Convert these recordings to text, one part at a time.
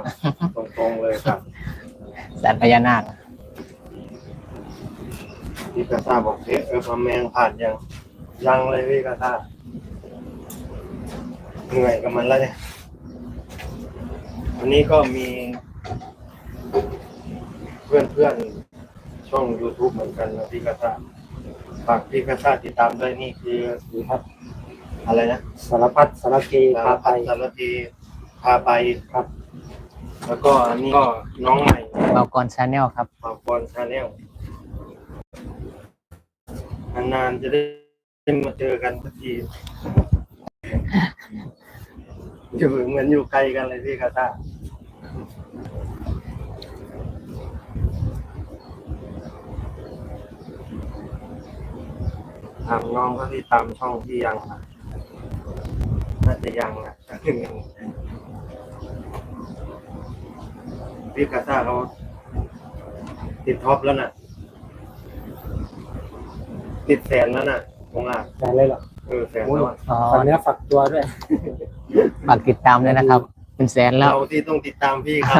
ตรงๆเลยครับสันพญานาคพี่กระซ่าบอกพะแมงผ่านยังเลยพี่กระซ่าเหนื่อยกับมันแล้วเนี่ยวันนี้ก็มีเพื่อนช่อง YouTube เหมือนกันนะพี่กระซ่าฝากพี่กระซ่าติดตามด้วยนี่คือครับอะไรนะสารพัดสารเกพาไปสารพีพาไปครับแล้วก็อันนี้ก็น้องใหม่เบากรชาแนลครับปาปอนชาแนลนานๆจะได้มาเจอกันสักทีอยู่เหมือนอยู่ไกลกันเลยพี่กาตาถามน้องก็ที่ตามช่องที่ยังนะน่าจะยังนะพี่กาตาเขาติดท็อปแล้วน่ะติดแสนแล้วน่ะผมอ่ะแสนเลยเหรอแสนแล้วฝากเนื้อฝากตัวด้วยฝากติดตามด้วยนะครับเป็นแสนแล้วเราที่ต้องติดตามพี่ครับ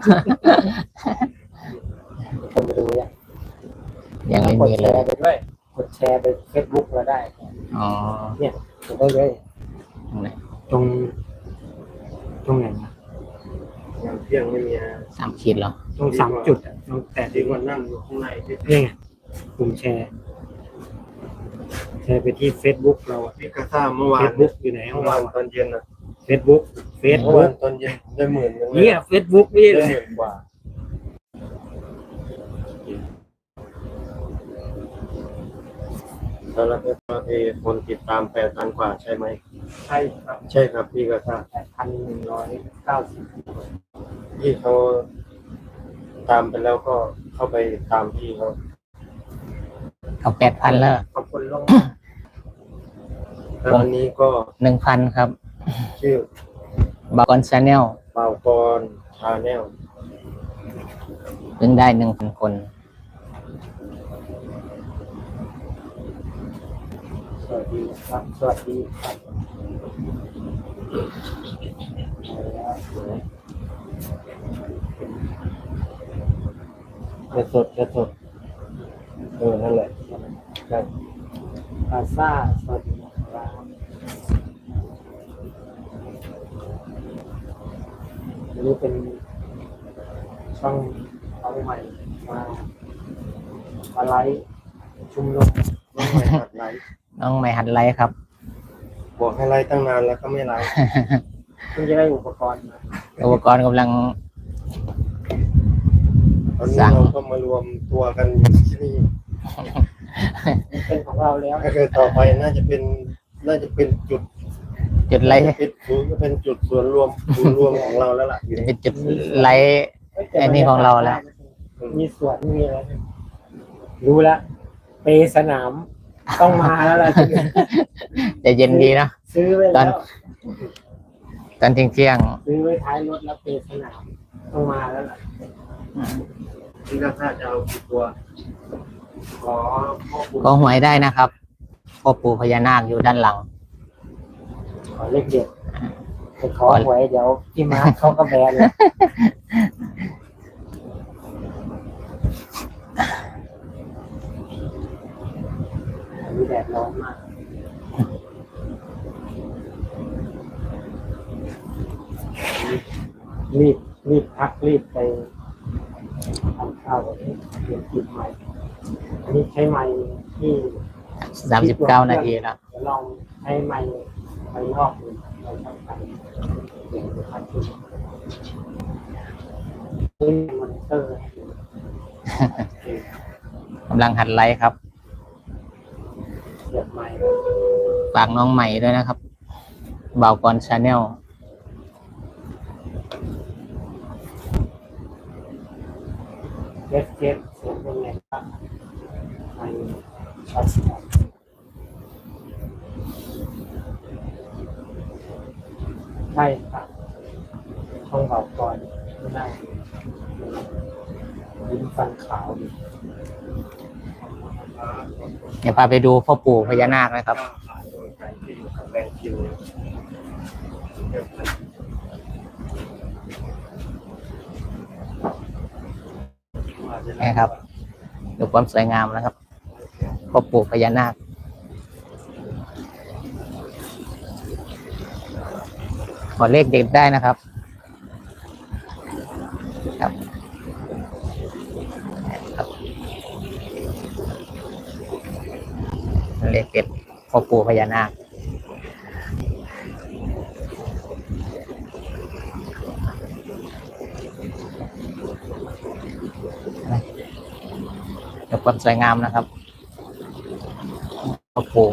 คนไปดูยังไม่มีเลยกดแชร์ไปด้วยกดแชร์ไป Facebook เราได้เนี่ยกดได้เลยตรงไหนนะงานเที่ยงไม่มี 3 ขีดเหรอตรง3 จุดแต่ที่วันนั่งอยู่ข้างในนี่ไงปุ่มแชร์ไปที่ Facebook เราพี่กระซ่าเมื่อวาน Facebook อยู่ไหนเมื่อวานตอนเย็น Facebook เมื่อวานตอนเย็นได้10,000 เนี่ย Facebook นี่เลย 10,000 กว่าแล้วเราจะคนติดตาม 8,000 กว่าใช่ไหมใช่ครับใช่ครับพี่กระซ่า 8,190 ที่เขาตามไปแล้วก็เข้าไปตามพี่เขา 8,000แล้วขอบคุณลงแล้ววันนี้ก็ 1,000 ครับชื่อเบากรชาแนลเบากรชาแนลเพิ่งได้ 1,000 คนสวัสดีครับสวัสดีครับจะสดนั่นแหละใช่พาซ่าสวัสดีครับอันนี้เป็นช่องน้องใหม่มาไลฟ์ชุมนุมน้องใหม่หัดไลฟ์น้องใหม่หัดไลฟ์ครับบอกให้ไลฟ์ตั้งนานแล้วก็ไม่ไลฟ์เพิ่งจะได้อุปกรณ์กำลังตอนนี้เราก็มารวมตัวกันอยู่ที่นี่เป็นของเราแล้วต่อไปน่าจะเป็นจุดไลฟ์เป็นจุดส่วนรวมของเราแล้วล่ะเป็นจุดไลฟ์อันนี้ของเราแล้วมีสวนมีอะไรรู้แล้วเปสนามต้องมาแล้วล่ะจะเย็นดีนะซื้อไว้ตอนเที่ยงซื้อไว้ท้ายรถแล้วเปสนามต้องมาแล้วล่ะที่เราจะเอาตัวก็หวยได้นะครับพ่อปู่พญานาคอยู่ด้านหลังขอเลขเด็ดไปขอหวยเดี๋ยวพี่มาร์คเขาก็แบนเลยมีแดดร้อนมากรีบพักรีบไปทำข้าวแบบนี้เตรียมกินใหม่อันนี้ใช้ไม้ที่ 39 นาทีแล้วเดี๋ยวลองใช้ไม้นอกดูเราทำกันเดี๋ยวจะทำขึ้นนี่มอนิเตอร์กำลังหัดไลฟ์ครับเสียบไม้ฝากน้องใหม่ด้วยนะครับเบากรชาแนลเจ็บเสียงเป็นไงบ้างไม่ชัดใช่ครับช่องเบาก่อนไม่ได้ยิ้มฟันขาวดีเดี๋ยวพาไปดูพ่อปู่พญานาคนะครับนะครับดูความสวยงามนะครับพ่อปู่พญานาคขอเลขเด็ดได้นะครับครับเลขเด็ดพ่อปู่พญานาคดูความสวยงามนะครับพ่อปู่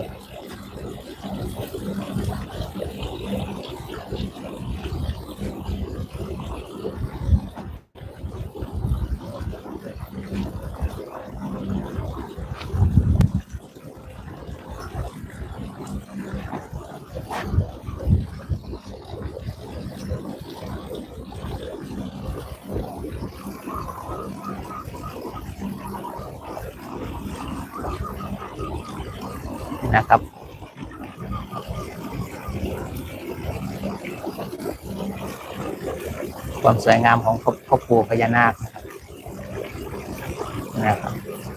นะครับความสวยงามของพ่อปู่พญานาคนะครับ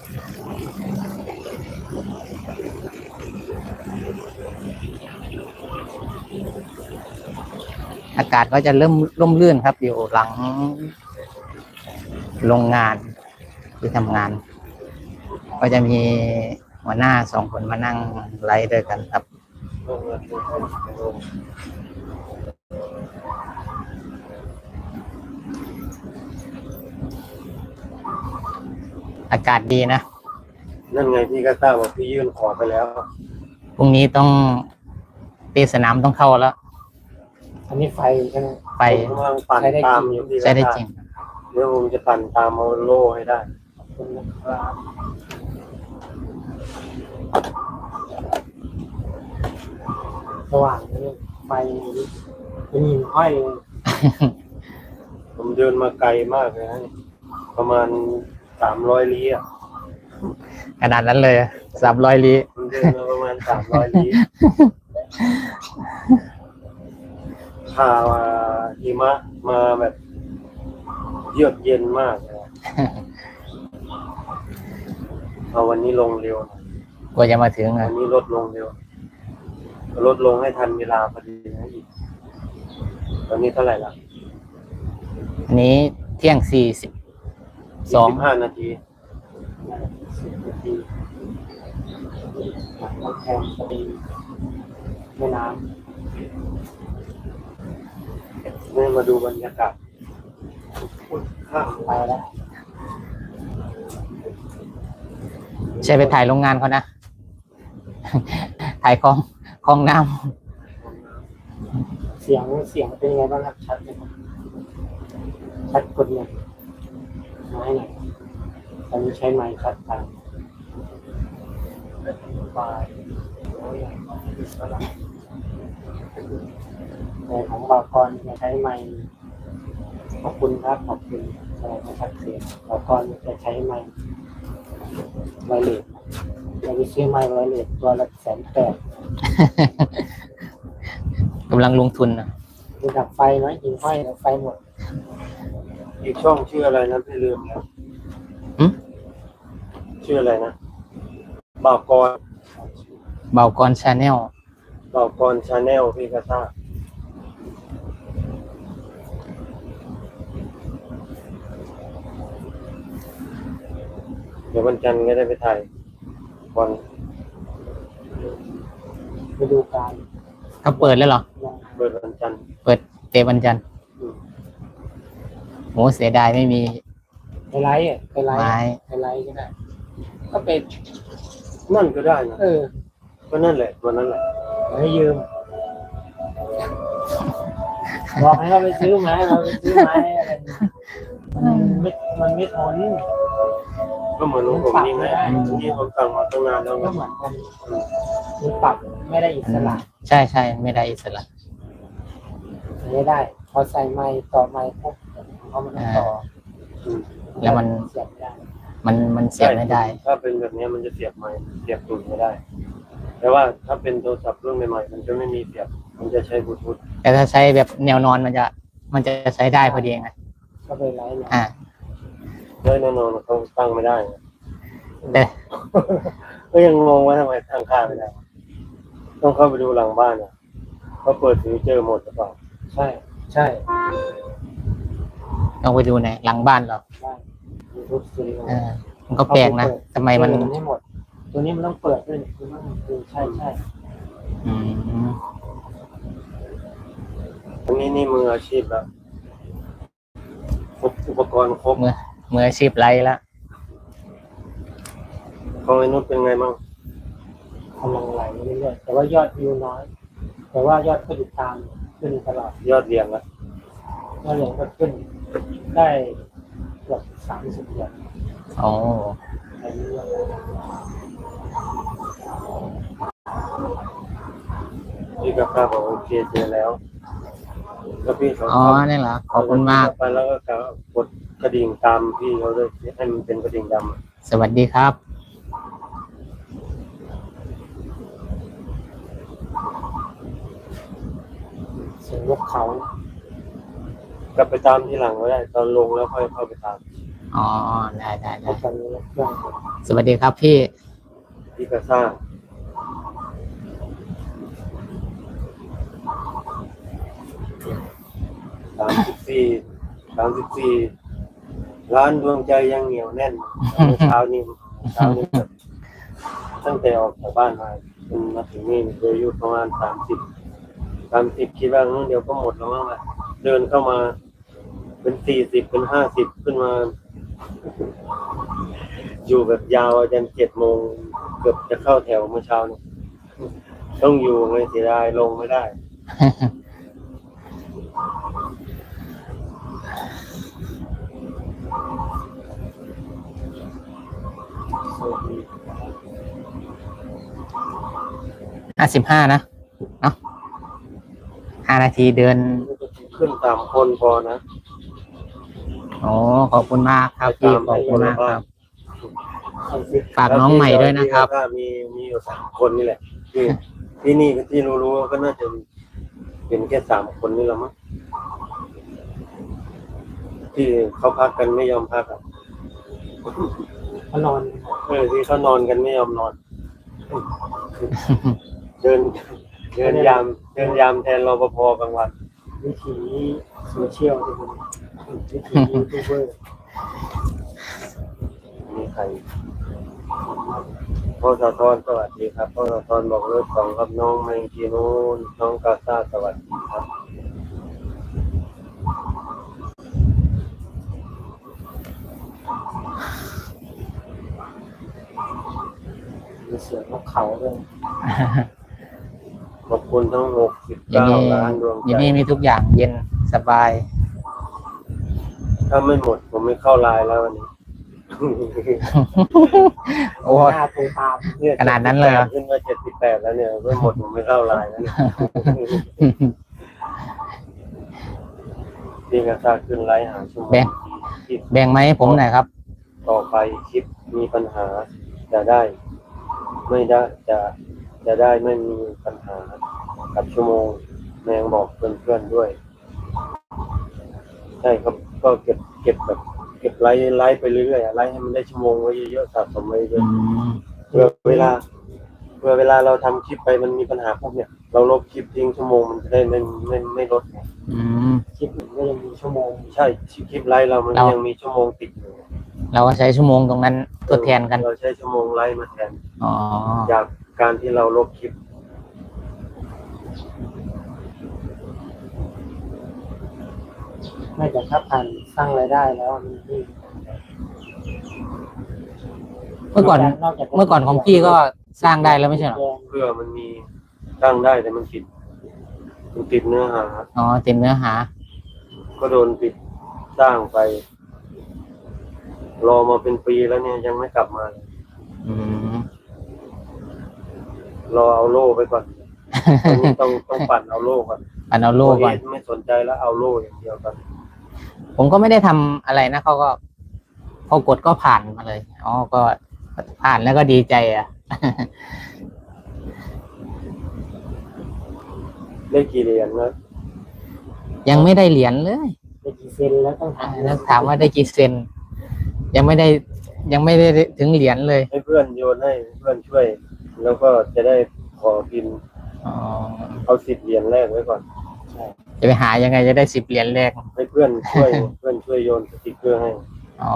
อากาศก็จะเริ่มร่มรื่นครับอยู่หลังโรงงานที่ทำงาน ก็จะมีหัวหน้า2 คนมานั่งไลฟ์ด้วยกันครับอากาศดีนะนั่นไงพี่ก็ทราบว่าพี่ยื่นขอไปแล้วพรุ่งนี้ต้องตีสนามต้องเข้าแล้วอันนี้ไฟใช่ไหมไปผมกำลังปั่นตามอยู่พี่ใช้ได้จริงเดี๋ยวผมจะปั่นตามเอาโล่ให้ได้ขอบคุณนะครับสว่างเลยไฟเป็นหินห้อยเลยผมเดินมาไกลมากเลยนะประมาณ300 ลี้อ่ะขนาดนั้นเลย300 ลี้ผมเดินมาประมาณ300 ลี้พาหิมะมาแบบเยือกเย็นมากเลยเอาวันนี้ลงเร็วกว่าจะมาถึงวันนี้ลดลงเร็วลดลงให้ทันเวลาพอดีนะอีกตอนนี้เท่าไหร่ละอันนี้เที่ยง42 15 นาที 10 นาทีหลังกำแพงพอดีแม่น้นี่มาดูบรรยากาศข้างำไปแล้วใช่ไปถ่ายโรงงานเขานะ ถ่ายคลองน้เสียงเป็นไงบ้างครับชัดไหมครับชัดกดเนี่ยไม้หน่อยตอนนี้ใช้ไม้ชัดตามไฟในของบางกรจะใช้ไม้ขอบคุณครับขอบคุณอะไรมาชัดเสียงบางกรจะใช้ไม้ไวเลสเราไปซื้อไม้ไวเลสตัวละ180,000 ำกำลังลงทุนนะมีดับไฟไหมหินห้อยดับไฟหมดอีกช่องชื่ออะไรนะพี่ลืมแล้วชื่ออะไรนะบ่าวกรเบากรชาแนลบ่าวกรชาแนลพี่ก็ทราบเดี๋ยววันจันทร์ก็ได้ไปถ่ายวันไปดูการเขาเปิดแล้วเหรอเปิดวันจันทร์เปิดเตะวันจันทร์โหเสียดายไม่มีไปไลฟ์ไปไลฟ์ไม้ไปไลฟ์ก็ได้ก็เป็นนั่นก็ได้นะ ก็นั่นแหละวันนั้นแหละให้ยืมบอกให้เราไปซื้อไม้เราไปซื้อไม้อะไรมันไม่ทนก็เหมือนของผมนี่ไงที่ผมสั่งมาตั้งนานแล้วไงก็เหมือนกันมันปรับไม่ได้อิสระใช่ใช่ไม่ได้อิสระไม่ได้พอใส่ไม้ต่อไม้ปุ๊บเขามันต้องต่อแล้วมันเสียบไม่ได้มันเสียบไม่ได้ถ้าเป็นแบบนี้มันจะเสียบไม้เสียบตูดไม่ได้ แต่ว่าถ้าเป็นโทรศัพท์รุ่นใหม่ๆมันจะไม่มีเสียบมันจะใช้บลูทูธแต่ถ้าใช้แบบแนวนอนมันจะใช้ได้พอดีไงก็ไปไลฟ์เนี่ยอ่าเลยแน่นอนเขาตั้งไม่ได้แต่ก็ยังงงว่าทำไมตั้งค่าไม่ได้ ต้องเข้าไปดูหลังบ้านอ่ะเขาเปิดฟิวเจอร์หมดหรือเปล่าใช่ใช่ลองไปดูในหลังบ้านเราใช่ YouTube Studio มันก็แปลกนะทำไมมันไม่หมด ตัวนี้มันต้องเปิดด้วยคือมันคือใช่ใช่อืมอันนี้นี่มืออาชีพแล้วครบอุปกรณ์ครบมืออาชีพไรละของไอ้นุชเป็นไงบ้างกำลังไหลเรื่อยๆแต่ว่ายอดวิวน้อย แต่ว่ายอดผู้ติดตามขึ้นตลอดยอดเรียงละยอดเหรียญก็ขึ้นได้เกือบ30 เหรียญโอ้ในเรื่องพี่กับข้าบอกโอเคเจอแล้วแล้วพี่เขาอ๋อนี่เหรอขอบคุณมากไปแล้วก็กดกระดิ่งตามพี่เขาด้วยให้มันเป็นกระดิ่งดำสวัสดีครับเสียงนกเขากลับไปตามที่หลังก็ได้ ตอนลงแล้วค่อยเข้าไปตามอ๋อได้ได้ในได้ตอนนี้นกเครื่องสวัสดีครับพี่พี่กระซ่า34ร้านดวงใจยังเหนียวแน่นเช้านี้แบบตั้งแต่ออกจากบ้านมาจนมาถึงนี่เคยอยู่ประมาณ30คิดว่าเดี๋ยวก็หมดแล้วมั้งล่ะเดินเข้ามาเป็น40เป็น50ขึ้นมา อยู่แบบยาวจน7 โมงเกือบจะเข้าแถวเมื่อเช้านี้ต้องอยู่ไม่เสียดายลงไม่ได้สวัสดี 55นะเนาะ5 นาทีเดินขึ้น3 คนพอนะโอ้ขอบคุณมากครับพี่ขอบคุณมากครับ 30 ฝากน้องใหม่ด้วยนะครับแล้วมีอยู่3 คนนี่แหละที่นี่ที่รู้ๆก็น่าจะเป็นแค่3 คนนี่แหละมั้งที่เขาพักกันไม่ยอมพักอ่ะเขานอนที่เขานอนกันไม่ยอมนอน เดินยามแทนรปภกลางวันวิถีโซเชียลที่เป็นวิถียูทูบเบอร์มีใครพ่อสะท้อนสวัสดีครับพ่อสะท้อนบอกเลิกสองครับน้องไมกีนูนน้องกาซาสวัสดีครับมีเสียงนกเขาด้วยขอบคุณทั้งอย่างนี้ 69 ล้านดวงอย่างใจนี้มีทุกอย่างเย็นสบายถ้าไม่หมดผมไม่เข้าไลน์แล้ววันนี้โอ้หน้าตูตามเนี่ยขนาดนั้นเลยเหรอขึ้นมา78แล้วเนี่ยไม่หมดผมไม่เข้าไลน์แล้วเนี่ยพี่กาซาขึ้นไลน์หาชั่วโมงที่แบ่งไหมาให้ผมหน่อยครับต่อไปคลิปมีปัญหาจะได้ไม่ได้จะได้ไม่มีปัญหากับชั่วโมงแมงบอกเพื่อนๆด้วยใช่ครับก็เก็บแบบเก็บไลฟ์ไปเรื่อยๆไลฟ์ให้มันได้ชั่วโมงไว้เยอะๆสะสมไว้เยอือะมเพื่อเวลาเราทำคลิปไปมันมีปัญหาพวกเนี่ยเราลบคลิปทิ้งชั่วโมงมันจะได้ไม่ลดไงอืมคลิปหนึ่งก็ยังมีชั่วโมงใช่คลิปไลฟ์เรามันยังมีชั่วโมงติดอยู่เราก็ใช้ชั่วโมงตรงนั้นทดแทนกันเราใช้ชั่วโมงไลฟ์มาแทนอ๋อจากการที่เราลบคลิปไม่แต่ถ้าผ่านสร้างรายได้แล้วมันนี่เมื่อก่อนของพี่ก็สร้างได้แล้วไม่ใช่เหรอเพื่อมันมีตั้งได้แต่มันติดเนื้อหาอ๋อเต็มเนื้อหาก็โดนปิดสร้างไป รอมาเป็นปีแล้วเนี่ยยังไม่กลับมาเลยอืมรอเอาโล่ไปก่อนตอนนี้ต้องปั่นเอาโล่ก่อนปันเอาโล่ก่อนไม่สนใจแล้วเอาโล่อย่างเดียวก่อนผมก็ไม่ได้ทำอะไรนะเขาก็พอกดก็ผ่านมาเลย อ๋อ ก็ผ่านแล้วก็ดีใจอ่ะได้กี่เหรียญนะยังไม่ได้เหรียญเลยได้กี่เซนแล้วต้องถามแล้วถามว่าได้กี่เซนยังไม่ได้ถึงเหรียญเลยให้เพื่อนโยนให้เพื่อนช่วย แล้วก็จะได้ขอพิมพ์อ๋อเอา10 เหรียญแรกไว้ก่อนใช่จะไปหายังไงจะได้10 เหรียญแรกให้เพื่อนช่วย เพื่อนช่วยโยนสติกเกอร์ให้อ๋อ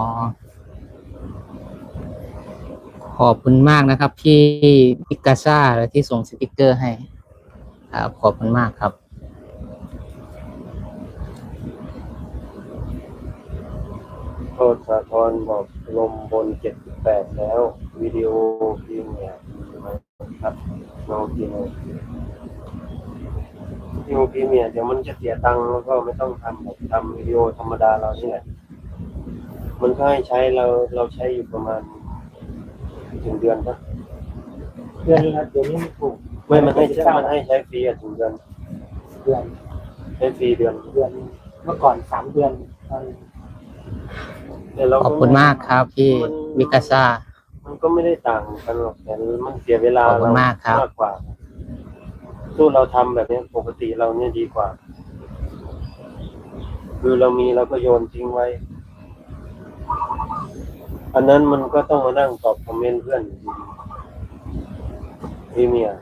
ขอบคุณมากนะครับพี่พิกาซ่าที่ส่งสติกเกอร์ให้ครับขอบคุณมากครับโทษสาธรบอกลมบน78แล้ว วิดีโอพิมพ์เนี่ยใช่ไหมครับน้องพิมพ์วิดีโอพิมพ์เนี่ยเดี๋ยวมันจะเสียตังค์แล้วก็ไม่ต้องทำแบบทำวิดีโอธรรมดาเรานี่แหละมันก็ให้ใช้เราใช้อยู่ประมาณถึงเดือนปะเดือนละเดือนนี้ถูกไม่มันให้ใช้ฟรีถึงเดือนเดือนใช้ฟรีเดือนเมื่อก่อน3 เดือนตอนแต่เราขอบคุณมากครับพี่วิกาซ่ามันก็ไม่ได้ต่างกันหรอกแต่มันเสียเวลาขอบคุณมากครับมากกว่าสู้เราทำแบบนี้ปกติเราเนี่ยดีกว่า คือเรามีเราก็โยนทิ้งไว้ อันนั้นมันก็ต้องมานั่งตอบคอมเมนต์เพื่อนอยู่ดีพี่เมีย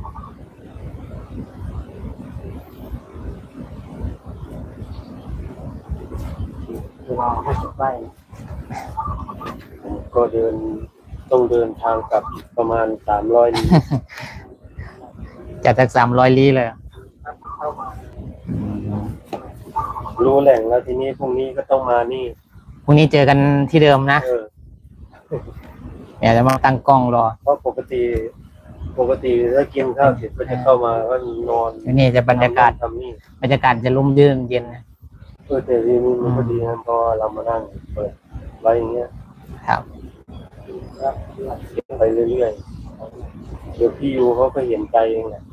คือเรา50 ไร่ผมก็ต้องเดินทางกลับอีกประมาณ300 ลี้จัดจาก300 ลี้เลยเข้ามารู้แหล่งแล้วทีนี้พรุ่งนี้ก็ต้องมานี่พรุ่งนี้เจอกันที่เดิมนะ เดี๋ยวจะมาตั้งกล้องรอเพราะปกติถ้ากินข้าวเสร็จก็จะเข้ามาก็นอนนี่จะบรรยากาศทำนี่บรรยากาศจะร่มรื่นเย็นนะแต่ทีนี้มันก็ดีนะเพราะเรามานั่งเปิดไว้อย่างเงี้ยครับไปเรื่อยๆเดี๋ยวพี่ยูเขาก็เห็นใจเองแหละ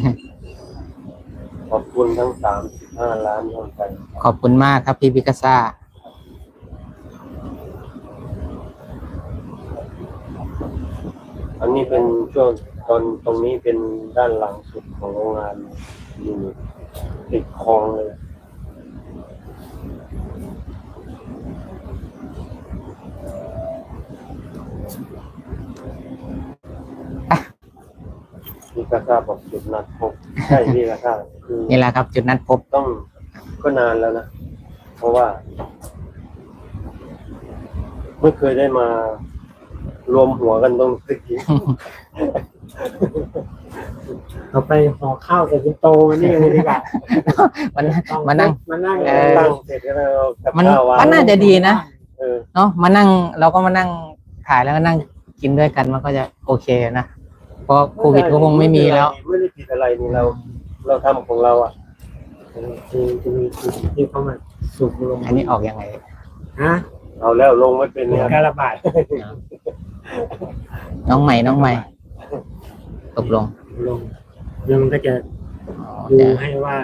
ขอบคุณทั้ง35 ล้านดวงใจขอบคุณมากครับพี่พิกาซ่าอันนี้เป็นช่วงตรงนี้เป็นด้านหลังสุดของโรงงานอยู่ติดคลองเลยพี่กาซาบอกจุดนัดพบใช่พี่กาซาคือนี่แหละครับ จุดนัดพบต้องก็นานแล้วนะ เพราะว่าไม่เคยได้มารวมหัวกันตรงนี้เราไปห่อข้าวใส่เป็นโตมานี่เลยดีกว่ามานั่งตั้งเสร็จก็แล้วกับมันข้าววางมันน่าจะดีนะเออเนาะมานั่งเราก็มานั่งถ่ายแล้วก็นั่งกินด้วยกันมันก็จะโอเคนะเพราะโควิดก็คงไม่มีแล้วไม่ได้ผิดอะไรนี่เราทำของเราอ่ะจะมีจุดที่เขามาสูบลงอันนี้ออกยังไงฮะเอาแล้วลงไม่เป็นเนี่ยการระบาดน้องใหม่ตกลงลงแล้วมันก็จะอ๋อดูแต่ให้ว่า